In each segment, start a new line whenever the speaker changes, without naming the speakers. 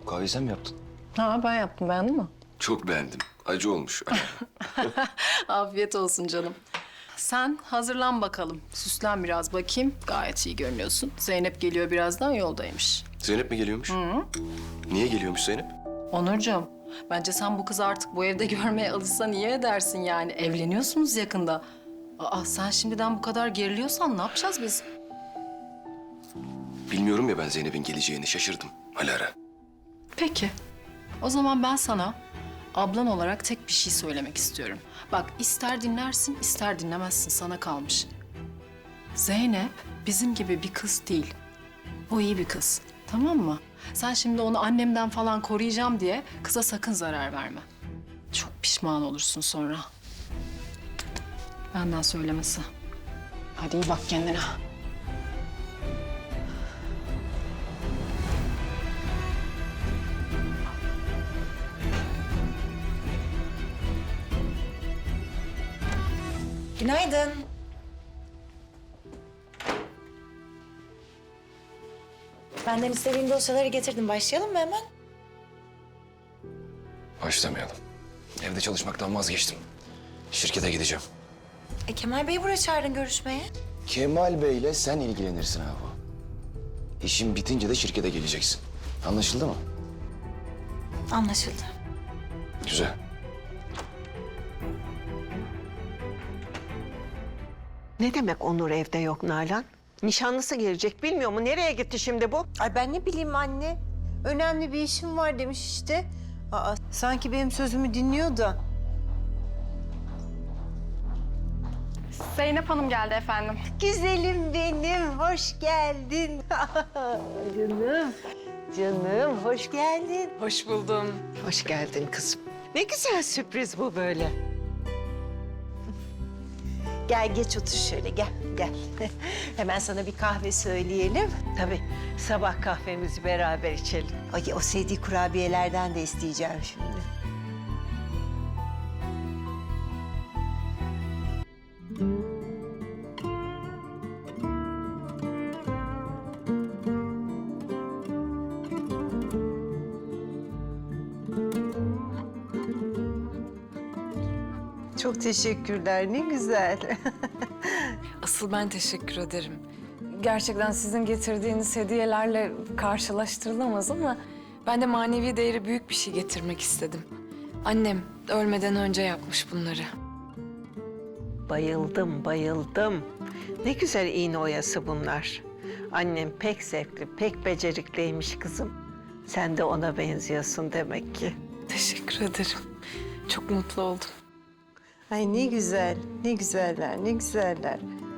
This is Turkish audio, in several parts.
Kahveyi sen mi yaptın?
Ha ben yaptım, beğendin mi?
Çok beğendim. Acı olmuş.
Afiyet olsun canım. Sen hazırlan bakalım. Süslen biraz bakayım. Gayet iyi görünüyorsun. Zeynep geliyor birazdan, yoldaymış.
Zeynep mi geliyormuş? Niye geliyormuş Zeynep?
Onurcuğum, bence sen bu kızı artık bu evde görmeye alışsan iyi edersin yani. Evleniyorsunuz yakında. Aa, sen şimdiden bu kadar geriliyorsan ne yapacağız biz?
Bilmiyorum ya ben Zeynep'in geleceğini. Şaşırdım. Alara.
Peki. O zaman ben sana ablan olarak tek bir şey söylemek istiyorum. Bak, ister dinlersin, ister dinlemezsin, sana kalmış. Zeynep bizim gibi bir kız değil. O iyi bir kız, tamam mı? Sen şimdi onu annemden falan koruyacağım diye kıza sakın zarar verme. Çok pişman olursun sonra. Benden söylemesi. Hadi iyi bak kendine.
Günaydın. Benden istediğin dosyaları getirdim. Başlayalım mı hemen?
Başlamayalım. Evde çalışmaktan vazgeçtim. Şirkete gideceğim.
Kemal Bey'i buraya çağırdın görüşmeye.
Kemal Bey'le sen ilgilenirsin abi. İşin bitince de şirkete geleceksin. Anlaşıldı mı?
Anlaşıldı.
Güzel.
Ne demek Onur evde yok Nalan? Nişanlısı gelecek bilmiyor mu? Nereye gitti şimdi bu?
Ay ben ne bileyim anne. Önemli bir işim var demiş işte. Aa, sanki benim sözümü dinliyor da.
Zeynep Hanım geldi efendim.
Güzelim benim, hoş geldin. Canım, canım hoş geldin.
Hoş buldum.
Hoş geldin kızım. Ne güzel sürpriz bu böyle.
Gel geç otur şöyle, gel, gel. Hemen sana bir kahve söyleyelim.
Tabii sabah kahvemizi beraber içelim.
Ay, o sevdiği kurabiyelerden de isteyeceğim şimdi. Çok teşekkürler, ne güzel.
Asıl ben teşekkür ederim. Gerçekten sizin getirdiğiniz hediyelerle karşılaştırılamaz ama ben de manevi değeri büyük bir şey getirmek istedim. Annem ölmeden önce yapmış bunları.
Bayıldım, bayıldım. Ne güzel iğne oyası bunlar. Annem pek zevkli, pek becerikliymiş kızım. Sen de ona benziyorsun demek ki.
Teşekkür ederim. Çok mutlu oldum.
Ay ne güzel, ne güzeller, ne güzeller.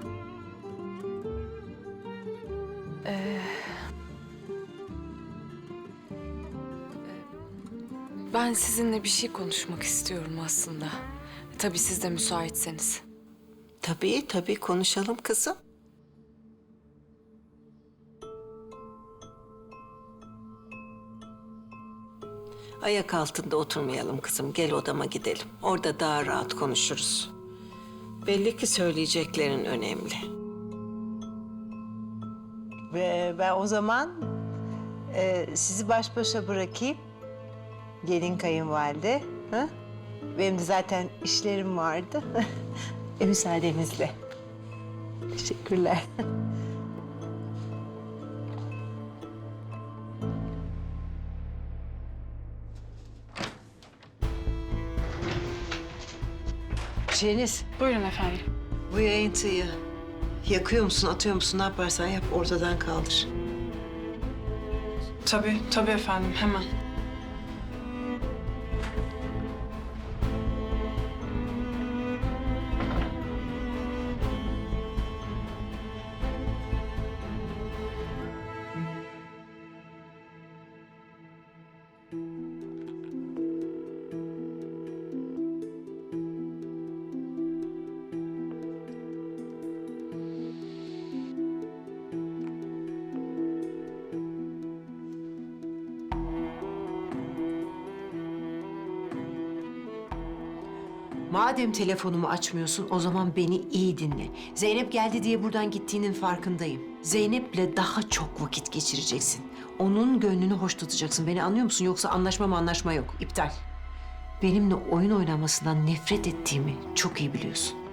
Ben sizinle bir şey konuşmak istiyorum aslında. Tabii siz de müsaitseniz.
Tabii, tabii konuşalım kızım. Ayak altında oturmayalım kızım. Gel odama gidelim. Orada daha rahat konuşuruz. Belli ki söyleyeceklerin önemli.
Ve ben o zaman sizi baş başa bırakayım. Gelin kayınvalide. Ha? Benim de zaten işlerim vardı. Müsaadenizle. Teşekkürler. Şeniz,
Buyurun efendim.
bu yayıntıyı yakıyor musun, atıyor musun? Ne yaparsan yap, ortadan kaldır.
Tabii efendim, hemen.
Madem telefonumu açmıyorsun, o zaman beni iyi dinle. Zeynep geldi diye buradan gittiğinin farkındayım. Zeynep'le daha çok vakit geçireceksin. onun gönlünü hoş tutacaksın. Beni anlıyor musun? Yoksa anlaşma yok. İptal. Benimle oyun oynamasından nefret ettiğimi çok iyi biliyorsun.